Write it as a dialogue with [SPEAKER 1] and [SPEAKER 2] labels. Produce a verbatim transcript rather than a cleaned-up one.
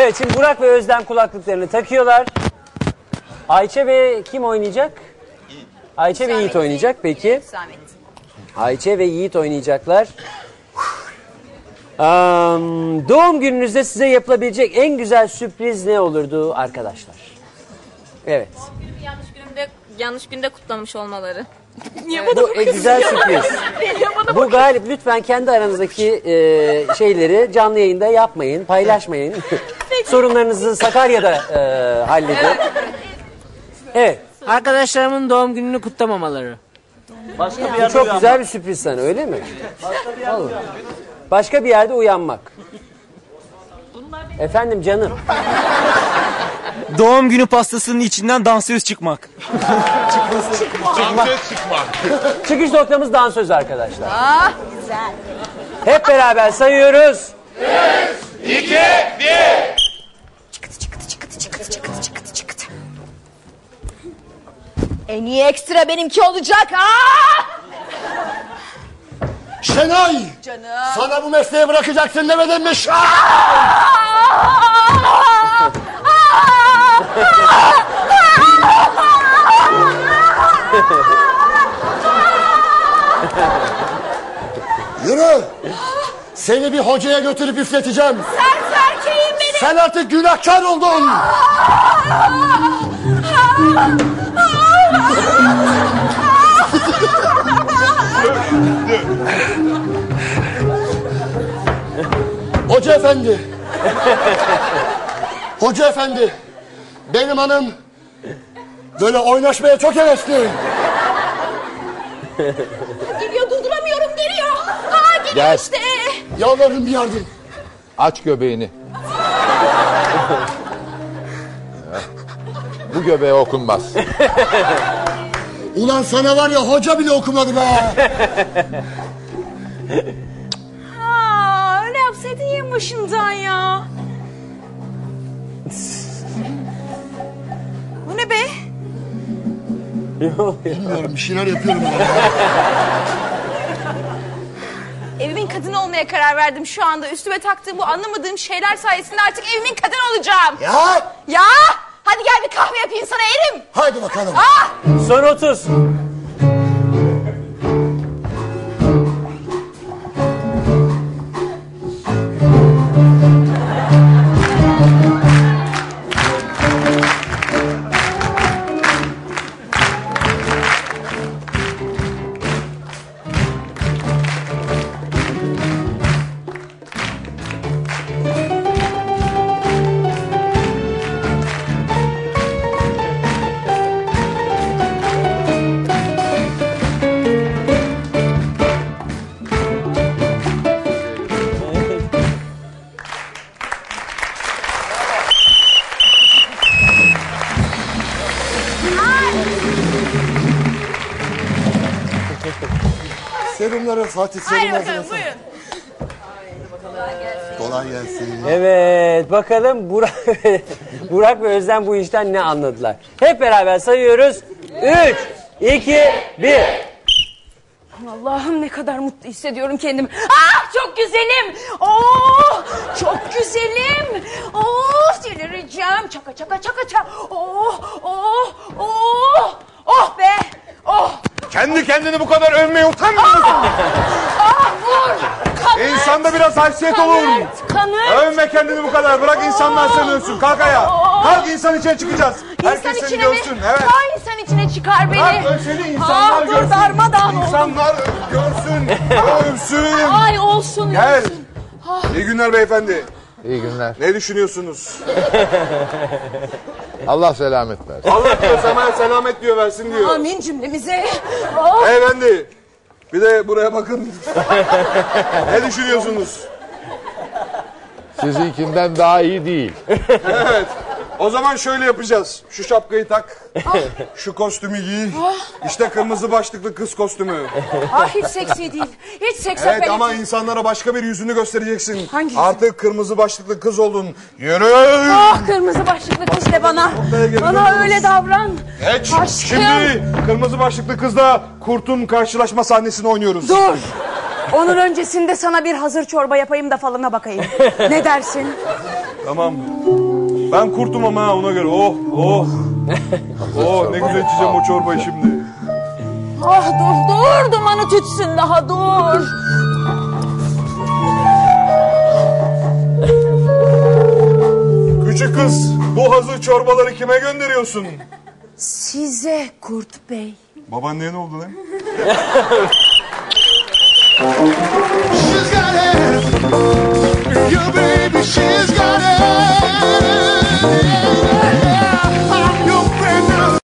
[SPEAKER 1] Evet, şimdi Burak ve Özlem kulaklıklarını takıyorlar. Ayça ve kim oynayacak? Ayça ve Yiğit oynayacak. Peki. Ayça ve Yiğit oynayacaklar. Um, doğum gününüzde size yapılabilecek en güzel sürpriz ne olurdu arkadaşlar? Evet.
[SPEAKER 2] Doğum günümü yanlış günümde, yanlış günde kutlamış olmaları.
[SPEAKER 1] Niye bana bu en güzel sürpriz. Bu galip, lütfen kendi aranızdaki e, şeyleri canlı yayında yapmayın, paylaşmayın. Sorunlarınızı Sakarya'da e, halledin. Evet.
[SPEAKER 3] Arkadaşlarımın doğum gününü kutlamamaları.
[SPEAKER 1] Başka bir yerde çok güzel bir sürpriz sana, öyle mi? Başka bir yerde uyanmak. Başka bir yerde uyanmak. Efendim canım.
[SPEAKER 4] Doğum günü pastasının içinden dansöz çıkmak.
[SPEAKER 1] çıkmak.
[SPEAKER 5] Dansöz çıkmak.
[SPEAKER 1] Çıkış noktamız dansöz arkadaşlar.
[SPEAKER 6] Ah güzel.
[SPEAKER 1] Hep beraber sayıyoruz.
[SPEAKER 5] üç, iki, bir.
[SPEAKER 6] Çıkıtı çıkıtı çıkıtı çıkıtı çıkıtı çıkıtı çıkıtı. En iyi ekstra benimki olacak. Aa!
[SPEAKER 7] Şenay!
[SPEAKER 6] Canım.
[SPEAKER 7] Sana bu mesleği bırakacaksın demedim mi? Şah! Yürü! Seni bir hocaya götürüp üfleteceğim.
[SPEAKER 6] Sen erkeğim benim.
[SPEAKER 7] Sen artık günahkar oldun. Hoca efendi. Hoca efendi. Benim hanım böyle oynaşmaya çok hevesli.
[SPEAKER 6] Geliyor, durduramıyorum, geliyor. Aa, geliyor
[SPEAKER 5] Gel.
[SPEAKER 6] işte.
[SPEAKER 7] Yalvarırım bir yardım.
[SPEAKER 5] Aç göbeğini. Bu göbeğe okunmaz.
[SPEAKER 7] Ulan sana var ya, hoca bile okumadı be.
[SPEAKER 6] Aa, öyle yapsaydın en başından ya. Bu ne be?
[SPEAKER 7] Bilmiyorum, bir şeyler yapıyorum ya.
[SPEAKER 6] Evimin kadını olmaya karar verdim şu anda. Üstüme taktığım bu anlamadığım şeyler sayesinde artık evimin kadını olacağım.
[SPEAKER 7] Ya!
[SPEAKER 6] Ya! Hadi gel bir kahve yapayım sana erim.
[SPEAKER 7] Haydi bakalım.
[SPEAKER 6] Ah!
[SPEAKER 1] Son otuz.
[SPEAKER 7] Serumları Fatih serum
[SPEAKER 6] Haydi bakalım,
[SPEAKER 7] hazırlasın.
[SPEAKER 6] buyurun.
[SPEAKER 7] Kolay gelsin.
[SPEAKER 1] Evet, bakalım Burak, Burak ve Özlem bu işten ne anladılar? Hep beraber sayıyoruz. Üç, iki, bir.
[SPEAKER 6] Allah'ım ne kadar mutlu hissediyorum kendimi. Ah çok güzelim. Oh çok güzelim. Oh delireceğim. Çaka çaka çaka çaka. Oh oh oh. Oh be. Oh.
[SPEAKER 5] Kendi kendini bu kadar övmeye utanmıyor musun?
[SPEAKER 6] Ah vur. Kanıt.
[SPEAKER 5] İnsanda biraz haysiyet olur.
[SPEAKER 6] Kanıt. Kanıt.
[SPEAKER 5] Övme kendini bu kadar. Bırak insanlar seni övsün. Kalk ayağa. Kalk, insan içine çıkacağız. Herkes
[SPEAKER 6] İnsan
[SPEAKER 5] seni
[SPEAKER 6] içine
[SPEAKER 5] görsün.
[SPEAKER 6] mi?
[SPEAKER 5] Evet.
[SPEAKER 6] Ha insan içine çıkar beni.
[SPEAKER 5] Bırak seni insanlar
[SPEAKER 6] Ah, dur,
[SPEAKER 5] görsün.
[SPEAKER 6] darmadağın oldum.
[SPEAKER 5] İnsanlar görsün. Övsün.
[SPEAKER 6] Ay olsun.
[SPEAKER 5] Gel.
[SPEAKER 6] Olsun.
[SPEAKER 5] İyi günler beyefendi.
[SPEAKER 8] İyi günler.
[SPEAKER 5] Ne düşünüyorsunuz?
[SPEAKER 8] Allah selamet versin.
[SPEAKER 5] Allah diyor, sana selamet diyor, versin diyor.
[SPEAKER 6] Amin cümlemize. Oh.
[SPEAKER 5] Beyefendi. Bir de buraya bakın. Ne düşünüyorsunuz?
[SPEAKER 8] Sizinkinden daha iyi değil.
[SPEAKER 5] Evet. O zaman şöyle yapacağız. Şu şapkayı tak. Şu kostümü giy. İşte kırmızı başlıklı kız kostümü.
[SPEAKER 6] Ah hiç seksi değil. Hiç seks
[SPEAKER 5] Evet
[SPEAKER 6] apeli
[SPEAKER 5] ama
[SPEAKER 6] değil.
[SPEAKER 5] insanlara başka bir yüzünü göstereceksin.
[SPEAKER 6] Hangi
[SPEAKER 5] Artık kırmızı başlıklı kız oldun. Yürü.
[SPEAKER 6] Ah kırmızı başlıklı kız de bana.
[SPEAKER 5] geri
[SPEAKER 6] Bana
[SPEAKER 5] dönüyoruz.
[SPEAKER 6] öyle davran.
[SPEAKER 5] Geç.
[SPEAKER 6] Aşkım.
[SPEAKER 5] Şimdi kırmızı başlıklı kızla kurtun karşılaşma sahnesini oynuyoruz.
[SPEAKER 6] Dur. Onun öncesinde sana bir hazır çorba yapayım da falına bakayım. Ne dersin?
[SPEAKER 5] Tamam. Ben kurtum ama ha, ona göre. Oh oh. Oh ne güzel içeceğim o çorbayı şimdi.
[SPEAKER 6] Ah dur dur dumanı tütsün daha dur.
[SPEAKER 5] Küçük kız bu hazır çorbaları kime gönderiyorsun?
[SPEAKER 6] Size Kurt Bey.
[SPEAKER 5] Babaanneye ne oldu lan?